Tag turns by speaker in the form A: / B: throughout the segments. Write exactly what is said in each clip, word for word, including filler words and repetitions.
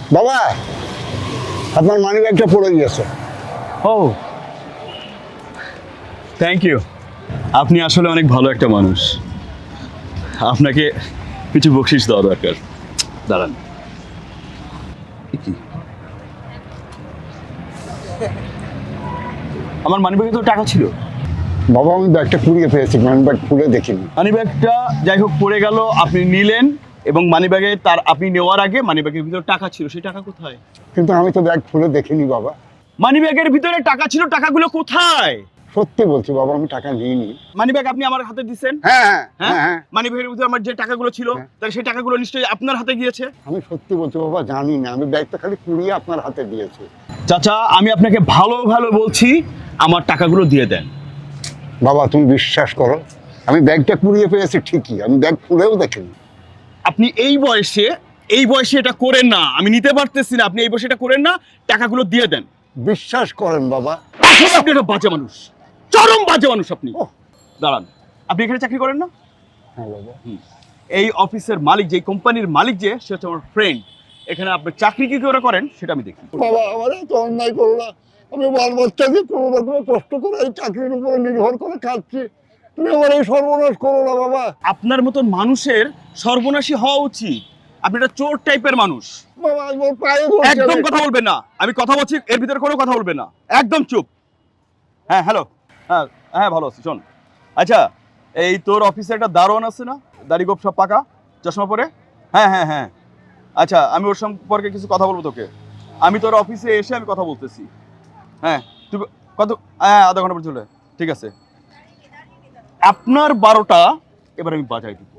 A: বাবা, আপনার মানি ব্যাগটা পড়ে গিয়েছে।
B: ও থ্যাংক ইউ। আপনি আসলে অনেক ভালো একটা মানুষ। আপনাকে কিছু বকশিস দেওয়া দরকার। দাঁড়ান। কি আমার মানি ব্যাগে তো টাকা ছিল।
A: বাবা, আমি ব্যাগটা কুড়িয়ে পেয়েছি, মানি ব্যাগ খুলে দেখিনি।
B: মানি ব্যাগটা যাই হোক পড়ে গেল, আপনি নিলেন এবং মানি ব্যাগে তার আপনি নেওয়ার আগে মানি ব্যাগের ভিতরে টাকা ছিল, সেই টাকা কোথায়?
A: কিন্তু আমি তো ব্যাগ খুলে দেখিনি বাবা।
B: মানি ব্যাগের ভিতরে টাকা ছিল, টাকাগুলো কোথায়?
A: সত্যি বলছি বাবা, আমি টাকা নিইনি।
B: মানি ব্যাগ আপনি আমার হাতে দিচ্ছেন?
A: হ্যাঁ হ্যাঁ
B: হ্যাঁ
A: হ্যাঁ হ্যাঁ
B: মানি ব্যাগের ভিতরে আমার যে টাকাগুলো ছিল,
A: হ্যাঁ।
B: তাহলে সেই টাকাগুলো নিশ্চয়ই আপনার হাতে গিয়েছে।
A: আমি সত্যি বলছি বাবা, জানি না। আমি ব্যাগটা খালি কুড়িয়ে আপনার হাতে দিয়েছি।
B: চাচা, আমি আপনাকে ভালো ভালো বলছি, আমার টাকাগুলো দিয়ে দেন।
A: বাবা, তুমি বিশ্বাস করো, আমি ব্যাগটা কুড়িয়ে পেয়েছি ঠিকই, আমি ব্যাগ খুলেও দেখিনি।
B: আপনি এই বয়সে এই বয়সে এটা করেন না, আমি নিতে পারতেছি না। আপনি এই বয়সে এটা করেন না, টাকাগুলো দিয়ে দেন।
A: বিশ্বাস করেন বাবা।
B: আসলে আপনি একটা বাজে মানুষ, চরম বাজে মানুষ আপনি।
A: ওহ।
B: দাঁড়ান, আপনি এখানে চাকরি করেন না?
A: হ্যাঁ বাবা।
B: এই অফিসের মালিক, যে কোম্পানির মালিক, যে সে হচ্ছে আমার ফ্রেন্ড। এখানে আপনি চাকরি কি করে করেন সেটা আমি দেখি।
A: বাবা, আমার এত অন্যায় করো না। আমি বাল বাচ্চাকে কোনো রকমের কষ্ট করে এই চাকরির উপরে নির্ভর করে খাচ্ছি। তুমি আমার এই সর্বনাশ করো না বাবা।
B: আপনার মতন মানুষের সর্বনাশী হওয়া উচিত। আপনি একটা চোর টাইপের মানুষ।
A: বাবা, আমার পায়ে ধরছে।
B: একদম কথা বলবেন না, আমি কথা বলছি, এর ভিতরে কোনো কথা বলবেন না, একদম চুপ। হ্যাঁ হ্যালো, হ্যাঁ হ্যাঁ ভালো আছি। শোন, আচ্ছা এই তোর অফিসে একটা দারোয়ান আছে না, দাড়ি গোপ সব পাকা, চশমা পরে? হ্যাঁ হ্যাঁ হ্যাঁ আচ্ছা, আমি ওর সম্পর্কে কিছু কথা বলবো তোকে। আমি তোর অফিসে এসে আমি কথা বলতেছি। হ্যাঁ তুই কত, হ্যাঁ আধা ঘন্টা পর চলে, ঠিক আছে। আপনার বারোটা এবার আমি বাজাই দিব।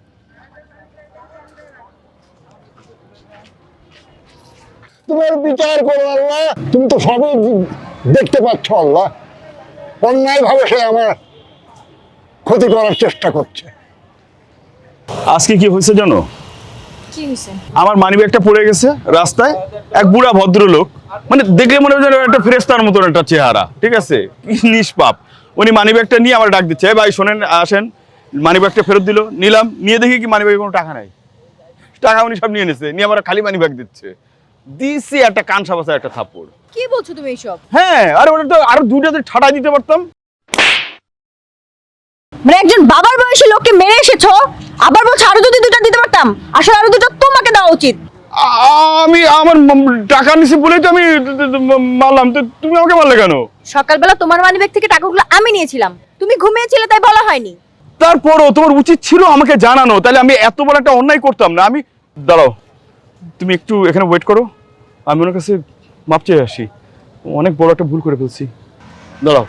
A: তোমার বিচার করো আল্লাহ। তুমি তো সবই দেখতে পাচ্ছ আল্লাহ। অন্যায় ভাবে সে আমার ক্ষতি করার চেষ্টা করছে।
B: আজকে কি হয়েছে জানো?
C: কি হয়েছে?
B: আমার মানিব্যাগটা পড়ে গেছে রাস্তায়। এক বুড়া ভদ্রলোক, মানে দেখলে মনে হয় একটা ফেরেশতার মতন একটা চেহারা, ঠিক আছে, কি নিষ্পাপ। উনি মানিব্যাগটা নিয়ে আমার ডাক দিচ্ছে, ভাই শোনেন আসেন। মানিব্যাগটা ফেরত দিল, নিলাম, নিয়ে দেখি কি মানিব্যাগে কোনো টাকা নাই। টাকা উনি সব নিয়ে নিয়েছে, নিয়ে আমার খালি মানিব্যাগ দিচ্ছে। দিছি একটা কান সাবাসা একটা থাপ্পড়।
C: কি বলছো তুমি এইসব?
B: হ্যাঁ, আরে ওটা তো আরো দুইটাতে ঠাড়া দিতে পারতাম।
C: মানে একজন বাবার বয়সী লোককে মেরে এসেছো, আবার বলছো আরো যদি দুটো দিতে পারতাম। আসলে আরো দুটো তোমাকে দেওয়া উচিত।
B: আ- আমি আমার ম- টাকা নিছি বলেই তো আমি মারলাম, তো তুমি আমাকে মারলে কেন?
C: সকালবেলা তোমার মানিব্যাগ থেকে টাকাগুলো আমি নিয়েছিলাম, তুমি ঘুমিয়েছিলে তাই বলা হয়নি।
B: তারপরও তোমার উচিত ছিল আমাকে জানানো, তাহলে আমি এত বড় একটা অন্যায় করতাম না। আমি দাঁড়াও, তুমি একটু এখানে ওয়েট করো, আমি ওনার কাছে মাপ চেয়ে আসি। অনেক বড় একটা ভুল করে ফেলছি, দাঁড়াও।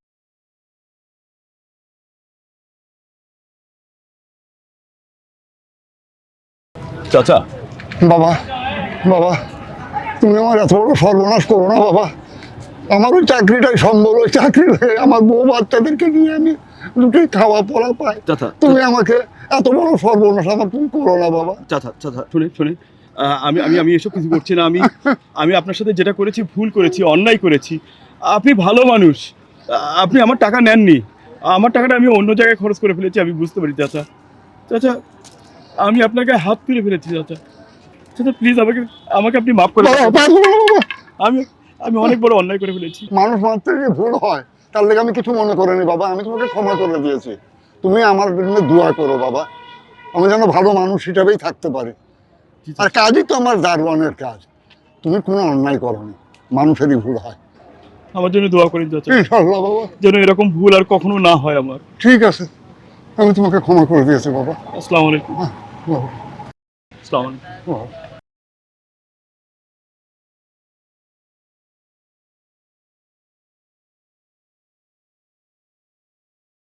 B: চাচা,
A: বাবা, বাবা, তুমি আমার এত বড় সর্বনাশ করো না বাবা। আমার ওই চাকরিটাই সম্ভব। ওই চাকরি হয়ে আমার বউ বাচ্চাদেরকে নিয়ে আমি দুটোই খাওয়া পড়া পাই।
B: চাচা,
A: তুমি আমাকে এত বড় সর্বনাশ আমার তুমি করো না বাবা।
B: চাচা চাচা শুনে শুনে আমি আমি আমি এসব কিছু করছি না। আমি আমি আপনার সাথে যেটা করেছি ভুল করেছি, অন্যায় করেছি। আপনি ভালো মানুষ, আপনি আমার টাকা নেননি। আমার টাকাটা আমি অন্য জায়গায় খরচ করে ফেলেছি, আমি বুঝতে পারি চাচা। চাচা, আমি আপনাকে হাত তুলে ফেলেছি চাচা। চাচা প্লিজ আমাকে আমাকে আপনি মাফ করে
A: বাবা,
B: দেন।
A: পারবো না বাবা।
B: আমি আমি অনেক বড় অন্যায় করে ফেলেছি।
A: মানুষ মাত্র যে ভুল হয়, তার লেগে আমি কিছু মনে করিনি বাবা। আমি তোমাকে ক্ষমা করে দিয়েছি। তুমি আমার জন্য দোয়া করো বাবা, আমি যেন ভালো মানুষ হিসাবেই থাকতে পারি। আর কাজই তো আমার দারোয়ানের কাজ। তুমি কোনো অন্যায় করোনি, মানুষেরই ভুল হয়।
B: আমার জন্য দোয়া করেন চাচা,
A: ইনশাআল্লাহ বাবা।
B: যেন এরকম ভুল আর কখনো না হয় আমার।
A: ঠিক আছে, আমি তোমাকে ক্ষমা করে দিয়েছি বাবা।
B: আসসালামু আলাইকুম।
A: বাবা,
B: আসসালামু আলাইকুম।
A: বাবা।